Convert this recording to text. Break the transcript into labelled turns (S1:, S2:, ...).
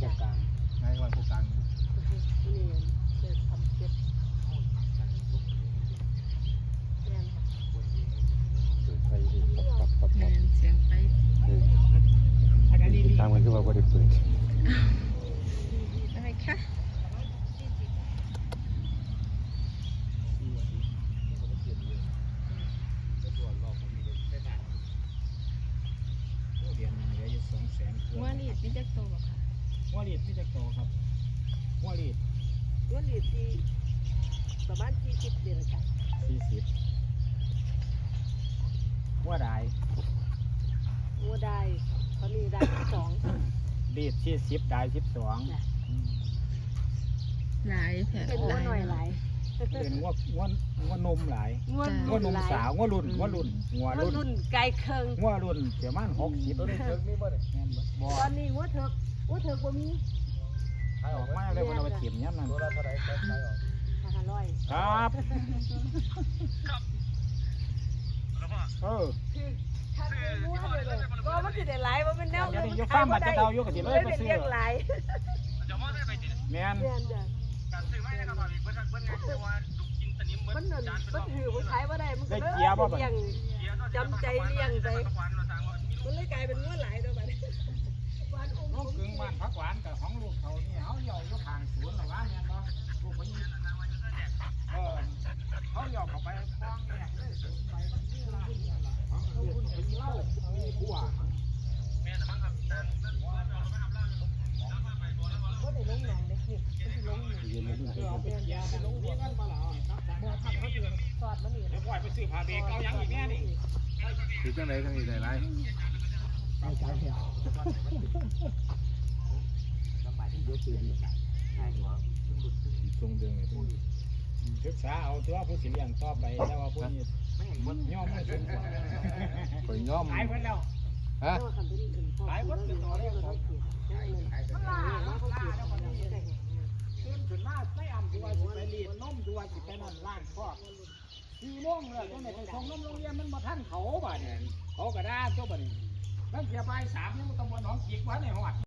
S1: จ้ะนายวันผู้กลาง
S2: นี่เกิดทำเก็บแม่นค่ะ
S1: เปิดไฟดิปับ
S3: เสียงไป
S1: ตามกันคือว่าบ่ได้เปิด
S3: อะไรคะว่านี่พี่จะโตบ่ค่ะ
S4: หัวรีดพี่จะโตครับหัวรีด
S2: ตัวนี้ที่ประมาณ40เดือนค่ะ
S4: 40หัวได้
S2: งัวได้ตอนนี้ได้2
S4: รีด40ได้12
S3: หลายแผล
S2: เป็นงัวหน่อยหลาย
S4: เป็นงัวนมหลาย
S2: งัว
S4: งัวนมสาวงัวรุ่นงัวรุ่น
S2: งัวรุ่นไกลเคิง
S4: งัวรุ่นประมาณ60ตัวนี้เถิกมีบ่ได้แม่นบ่
S2: ตอนนี้งัวเถิกบ่มี
S4: ขายออกมาเลยเพิ่นเอาไปเก็บยามนั้นตัวละเท่าไหร่ขายออก
S2: 500
S4: ครับเออ
S2: ถ้าเป็นงัวเลยก็มันสิได้หลายบ่เป็นแนว
S4: เดี๋ยวนี้อยู่ฟาร์มมันจะเดาอยู่ก็สิเลยไปซื้อ
S2: เลี้ยงหลาย
S4: แม่น
S2: แม่นจ้ะมันนั่นมันถือมันขายบ่ได้มันก็เลยเลี้ยงจำใจเลี้ยงไปมันเลยกลายเป็นงัวหลายตัวบัดนี้บ้านอุ้ม
S4: น้องกึ่งบ้านผักหวานกับของลูกเขานี่เฮาเลี้ยวอยู่ข้างสวนหรอวะแม่นบ่ลูกเพิ่นเขาเลี้ยวเข้าไปคลองแยกเลยสวนไปมันมีร้านนี่ล่ะของลูกเป็นเหล้ามีบัว
S2: ก็ได้ลงหนองเด็กนี่มันสิลงนี่
S1: ยืนในรุ่น
S4: เอาไปเกียร์ไปลงเรียนกันบ่ล่ะครับ
S2: บ่ทำเขาสิสอดมันนี่
S4: เดี๋ยวปล่อยไปซื้อผ้าเบรกเอายังอีกแม่นี่
S1: คือจังได๋ทั้งนี้ได้หลายทรงเดืองนี่
S4: ศึกษาเอาตัวผู้สิเลี้ยงต่อไปแต่ว่าผู้นี้ย่อมไม่สมควร
S1: ข่อยย้อม
S4: ขายเพิ่นแล้ว
S1: ฮะ
S4: ขายเพิ่นเป็นต่อแล้วของมันล่าแล้วคนนี้ตื่นขึ้นมาไม่อ่ำตัวสิไปรีดนมตัวสิไปนั่นล้างคอก4 โมงแล้วจังได๋ไปส่งนมโรงเรียนมันบ่ทันเขาบัดนี้เขาก็ด่าตัวบัดนี้แล้วเสียบ่าย 3ยังบ่ต้องบ่หนองจิกบ่ในฮอด